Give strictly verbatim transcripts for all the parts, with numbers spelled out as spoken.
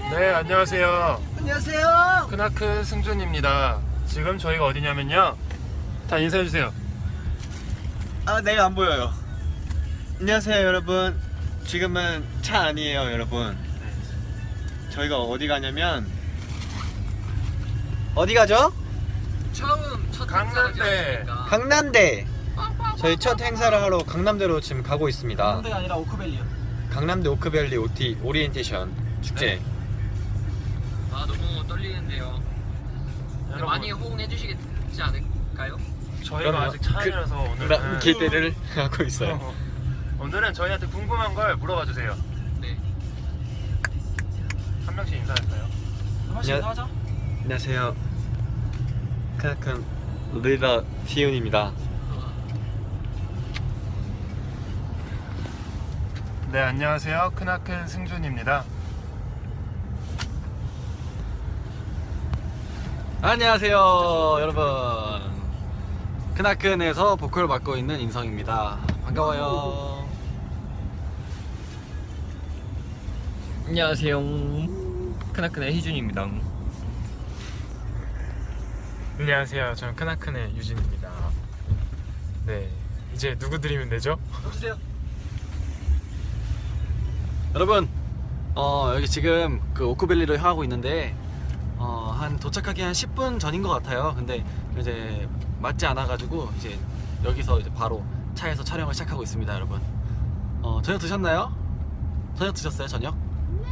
네, 안녕하세요. 안녕하세요. 크나큰 승준입니다. 지금 저희가 어디냐면요. 다 인사해주세요. 아, 내가 안 보여요. 안녕하세요, 여러분. 지금은 차 아니에요, 여러분. 저희가 어디 가냐면 어디 가죠? 처음 첫 강남대. 강남대. 저희 첫 행사를 하러 강남대로 지금 가고 있습니다. 강남대가 아니라 오크밸리요. 강남대 오크밸리 오티 오리엔테이션 축제. 네. 아 너무 떨리는데요. 여러분, 많이 호응해 주시겠지 않을까요? 저희가 그럼요. 아직 차이라서 그, 오늘은 기대를 하고 있어요. 어, 오늘은 저희한테 궁금한 걸 물어봐 주세요. 네. 한 명씩 인사할까요? 한 번씩 안녕- 하자. 안녕하세요. 크나큰 리더 시윤입니다. 네, 안녕하세요. 크나큰 승준입니다. 안녕하세요 여러분, 크나큰에서 보컬 맡고 있는 인성입니다. 반가워요. 안녕하세요. 크나크의 희준입니다. 안녕하세요. 저는 크나큰의 유진입니다. 네, 이제 누구 드리면 되죠? 주세요. 여러분, 어 여기 지금 그 오크밸리를 하고 있는데 어, 한 도착하기 한 십 분 전인 것 같아요. 근데 이제 맞지 않아가지고 이제 여기서 이제 바로 차에서 촬영을 시작하고 있습니다, 여러분. 어, 저녁 드셨나요? 저녁 드셨어요, 저녁? 네.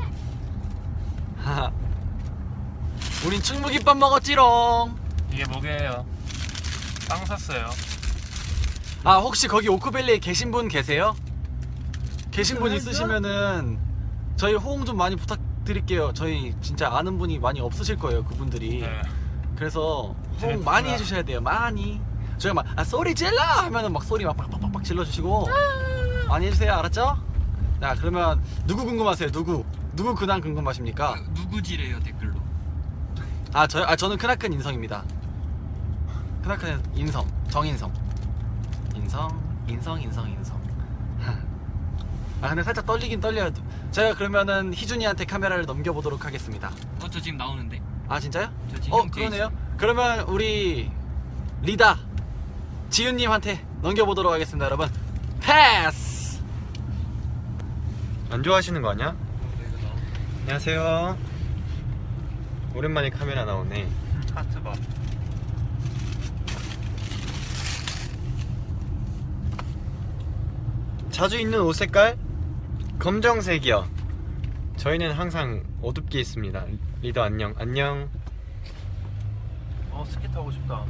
하하. 우린 충무김밥 먹었지롱. 이게 뭐게요? 빵 샀어요. 아, 혹시 거기 오크밸리에 계신 분 계세요? 계신 분 있으시면은 저희 호응 좀 많이 부탁드릴게요. 저희 진짜 아는 분이 많이 없으실 거예요, 그분들이. 네. 그래서 호응 재밌구나. 많이 해주셔야 돼요, 많이. 저희가 막 아, 소리 질러 하면은 막 소리 막 빡빡빡빡 질러주시고 많이 해주세요, 알았죠? 자, 그러면 누구 궁금하세요? 누구? 누구 근황 궁금하십니까? 누구지래요 댓글로. 아, 저, 아 저는 크나큰 인성입니다. 크나큰 인성, 정인성. 인성, 인성, 인성, 인성. 아, 근데 살짝 떨리긴 떨려요. 제가 그러면은 희준이한테 카메라를 넘겨보도록 하겠습니다. 어 저 지금 나오는데. 아, 진짜요? 저 지금 어, 형 뒤에 그러네요. 그러면 우리 리다 지윤님한테 넘겨보도록 하겠습니다, 여러분. 패스! 안 좋아하시는 거 아니야? 안녕하세요. 오랜만에 카메라 나오네. 하트 봐. 자주 입는 옷 색깔? 검정색이요. 저희는 항상 어둡게 있습니다. 리더 안녕. 안녕. 어, 스키 타고 싶다. 어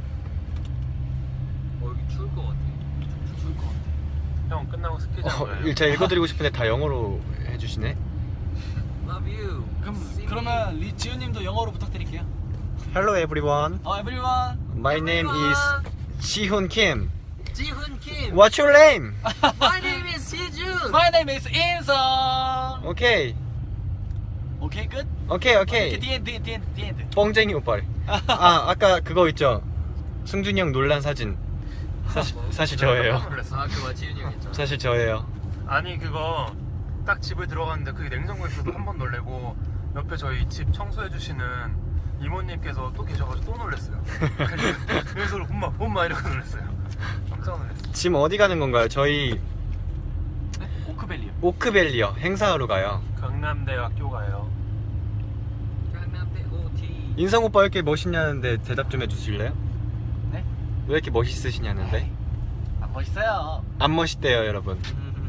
여기 추울 것 같아. 추울 것 같아. 형 끝나고 스키장 어, 가요. 제가 읽어드리고 싶은데 다 영어로 해주시네. Love you. 그럼, 그러면 리, 지윤님도 영어로 부탁드릴게요. Hello everyone. 어, everyone. My name is 지훈 Kim. 지훈 김. What's your name? My name is 희준. My name is 인성. 오케이. 오케이, 끝? 오케이 오케이. The end, the end, the end, the end. 뻥쟁이 오빠. 아 아까 그거 있죠. 승준이 형 논란 사진. 사실, 사실 저예요. 깜짝 놀랐어. 아 그거 지훈이 형 있잖아. 사실 저예요. 아니 그거 딱 집을 들어갔는데 그게 냉장고에서도 한 번 놀래고 옆에 저희 집 청소해 주시는 이모님께서 또 계셔가지고 또 놀랬어요. 그래서 엄마 엄마 이러고 놀랬어요. 깜짝 놀랐어요. 지금 어디 가는 건가요? 저희 네? 오크밸리요. 오크밸리요. 행사하러 가요. 강남대학교 가요. 강남대 오티. 인성 오빠 왜 이렇게 멋있냐는데 대답 좀 해주실래요? 네? 왜 이렇게 멋있으시냐는데? 아, 멋있어요. 안 멋있대요 여러분.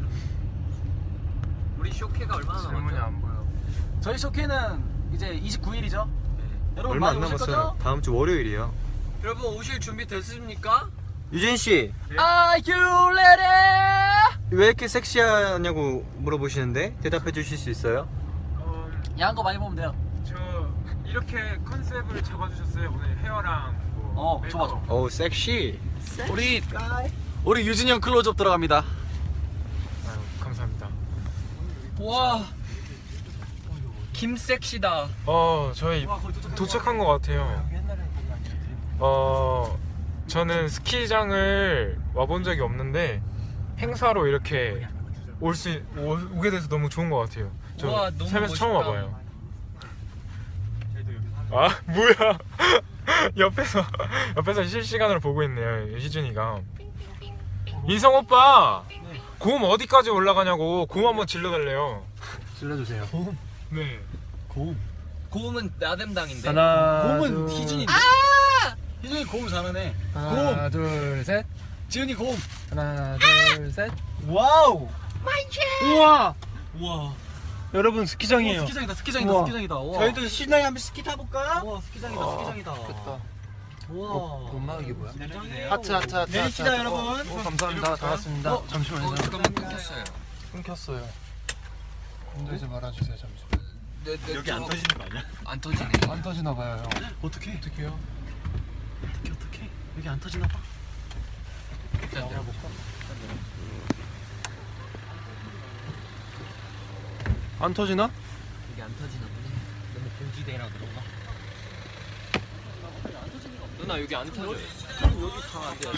우리 쇼케가 얼마나 질문이 남았죠? 안 보여. 저희 쇼케는 이제 이십구 일이죠. 여러분 얼마 안 많이 오실 남았어요. 거죠? 다음 주 월요일이에요. 여러분 오실 준비 됐습니까? 유진 씨, Are you ready? 왜 이렇게 섹시하냐고 물어보시는데 대답해 주실 수 있어요? 어, 야한 거 많이 보면 돼요. 저 이렇게 컨셉을 잡아주셨어요. 오늘 헤어랑 뭐 어, 메이크업. 좋아, 좋아. 어우 섹시. 우리 우리 유진이 형 클로즈업 들어갑니다. 아유, 감사합니다. 와 김섹시다. 어, 저희 도착한 것 같아요. 어, 저는 스키장을 와본 적이 없는데 행사로 이렇게 올 수 오게 돼서 너무 좋은 것 같아요. 저 우와, 너무 살면서 처음 멋있다. 와봐요. 아 뭐야? 옆에서 옆에서 실시간으로 보고 있네요 희준이가. 인성 오빠 고음 어디까지 올라가냐고 고음 한번 질러달래요. 질러주세요. 네. 고음. 고음은 나댐당인데. 하나, 고음은 둘, 희준인데. 희준이 고음 잘하네. 하나, 둘, 셋. 지훈이 고음. 하나, 둘, 셋. 와우. 우와! 우와. 여러분 스키장이에요. 스키장이다. 스키장이다. 우와. 스키장이다. 와. 저희도 신나게 한번 스키 타볼까요? 와 스키장이다. 아, 스키장이다. 좋겠다. 와. 어, 엄마 이게 뭐야? 내려주세요. 하트 하트 하트. 내리시다, 하트. 여러분. 어, 어, 감사합니다. 다 왔습니다. 어, 잠시만요. 어, 잠깐만 끊겼어요. 끊겼어요. 흔들지 말아주세요. 잠시. 내, 내 여기 안 쪽- 터지는 거 아니야? 안 터지네. 안 터지나 봐요, 형. 어떻게? 어떡해요? 어떻게 어떻게? 여기 안 터지나 봐. 일단 내려볼까? 안 터지나? 이게 안 터지나 보네. 너무 공지대라 그런가? 누나 여기 안 터져. 여기 다 안 돼.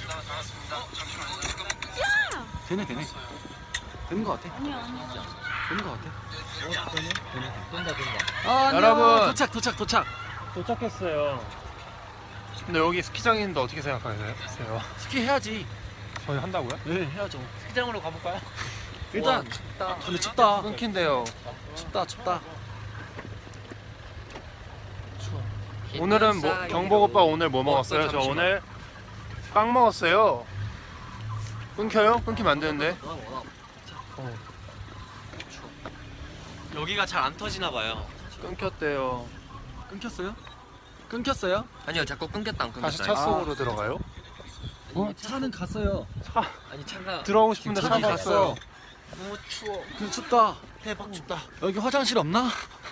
되네 되네. 되는 거 같아. 아니야 아니야. 되는 거 같아. 된다 된다. 아, 안녕. 여러분. 도착 도착 도착. 도착했어요. 근데 여기 스키장인데 어떻게 생각하세요? 스키 해야지. 저희 한다고요? 네 해야죠. 스키장으로 가볼까요? 일단 춥다. 근데 춥다. 끊긴대요. 춥다 춥다. 오늘은 뭐 경복 오빠 오늘 뭐 먹었어요? 저 잠시만. 오늘 빵 먹었어요. 끊겨요? 끊기면 안 되는데. 여기가 잘 안 터지나 봐요. 끊겼대요. 끊겼어요? 끊겼어요? 아니요 자꾸 끊겼다 안 끊겼다. 다시 차 속으로 들어가요? 어 차는 갔어요. 차 아니 차가 들어가고 싶은데 차가 차가 갔어. 없어요. 너무 추워. 그 춥다. 대박 춥다. 여기 화장실 없나?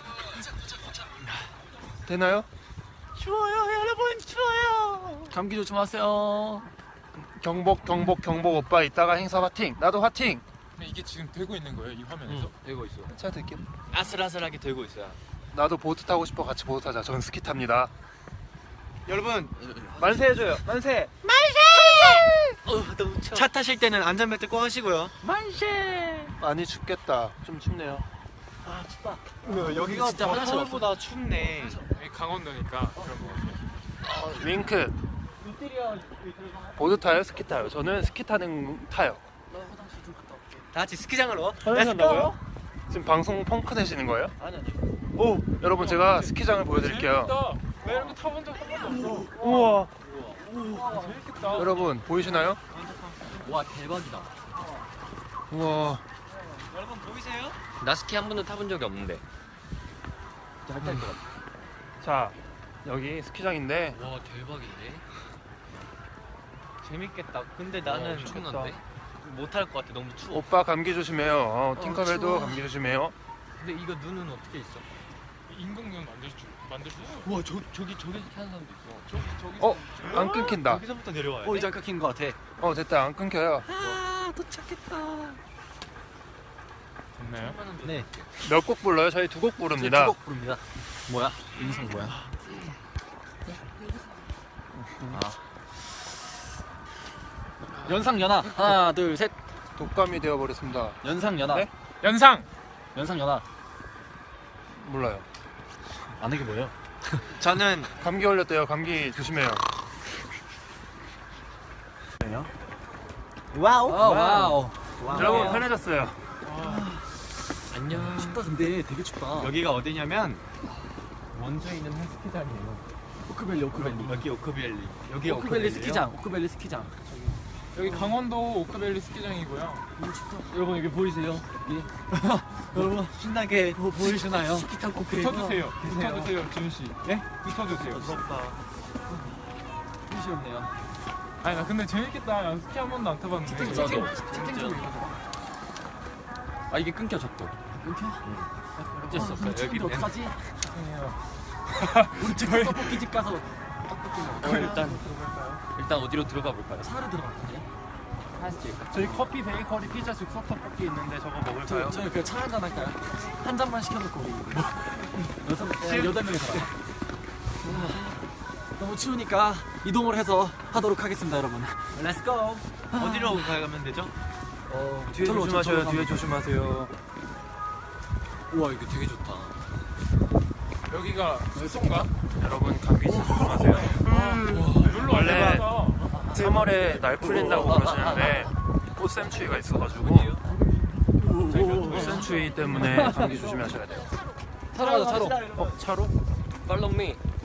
되나요? 추워요 여러분 추워요. 감기 조심하세요. 경복 경복 경복 오빠 이따가 행사 화팅. 나도 화팅. 근데 이게 지금 되고 있는 거예요 이 화면에서? 되고 있어. 차 들게요. 아슬아슬하게 들고 있어요. 나도 보트 타고 싶어. 같이 보트 타자. 저는 스키 탑니다. 여러분 만세 해줘요. 만세. 어, 너무 추워. 차 타실 때는 안전벨트 꼭 하시고요. 많이 춥겠다. 좀 춥네요. 아 춥다. 여기가 진짜 화장실 없어. 서울보다 춥네. 여기 강원도니까 그런 거 같아요. 윙크. 보드 타요? 스키 타요? 저는 스키 타는 타요. 다 같이 스키장으로. 한다고요? 지금 방송 펑크 내시는 거예요? 아니 아니. 오, 여러분 제가 스키장을 보여드릴게요. 재밌다. 나 이런 거 타본 적 한 번도 없어. 우와. 우와 재밌겠다. 여러분 보이시나요? 와 대박이다. 우와. 여러분 보이세요? 나 스키 한 번도 타본 적이 없는데. 음. 자, 여기 스키장인데 와 대박인데. 재밌겠다. 근데 나는 엄청난데. 못할 것 같아. 너무 추워. 오빠 감기 조심해요. 어, 어, 팅커벨도 추워. 감기 조심해요. 근데 이거 눈은 어떻게 있어? 인공눈 만들 수 만들 수 있어. 와 저, 저기 저기서 타는 사람도 있어. 저기 저기. 어, 안 끊긴다. 여기서부터 내려와요. 어 이제 끊긴 거 같아. 어, 됐다. 안 끊겨요. 아 도착했다. 됐나요? 네. 몇 곡 불러요? 저희 두 곡 부릅니다. 두곡 부릅니다. 뭐야? 인성 뭐야? 연상 연하 하나 둘 셋. 독감이 되어버렸습니다. 연상 연하. 네? 연상. 연상 연하. 몰라요. 안 하게 뭐예요? 저는 감기 걸렸대요. 감기 조심해요. 와우. 와우. 와우. 여러분 편해졌어요. 안녕. 춥다 근데 되게 춥다. 여기가 어디냐면 원주에 있는 헬스키장이에요. 오크밸리 오크밸리. 여기 오크밸리. 여기 오크밸리 스키장. 오크밸리 스키장. 여기 강원도 오크밸리 스키장이고요. 여러분 여기 보이세요? 여기. 여러분 신나게 뭐 보이시나요? 스키 타고 붙어주세요. 붙어주세요, 지훈 씨. 네? 붙어주세요. 부럽다. 빛이 없네요. 아니 나 근데 재밌겠다. 난 스키 한 번도 안 타봤는데. 나도. 채팅 좀 아 이게 끊겨 졌고. 끊겨? 어쩔 수 없어. 여기 여기 어떡하지? 죄송해요. 우리 집 떡볶이 집 가서 떡볶이 먹어. 일단 일단 어디로 들어가 볼까요? 차로 들어갈 거예요? 저희 커피, 베이커리, 피자, 즉석 떡볶이 있는데 저거 먹을까요? 저, 저희 그냥 차 한잔 할까요? 한 잔만 시켜놓고 우리 여섯 명, 여덟 명이 살아. 너무 추우니까 이동을 해서 하도록 하겠습니다, 여러분. Let's go. 어디로 가면 되죠? 어, 뒤에 저로, 저, 조심하셔요. 저로 뒤에 가면 조심하세요. 우와 이거 되게 좋다. 여기가 숲소인가? 여러분 감기 조심하세요. 원래 삼월에 날 풀린다고 그러시는데 꽃샘추위가 있어가지고 꽃샘추위 때문에 감기 조심하셔야 돼요. 차로 가자 차로. 어 차로? Follow me.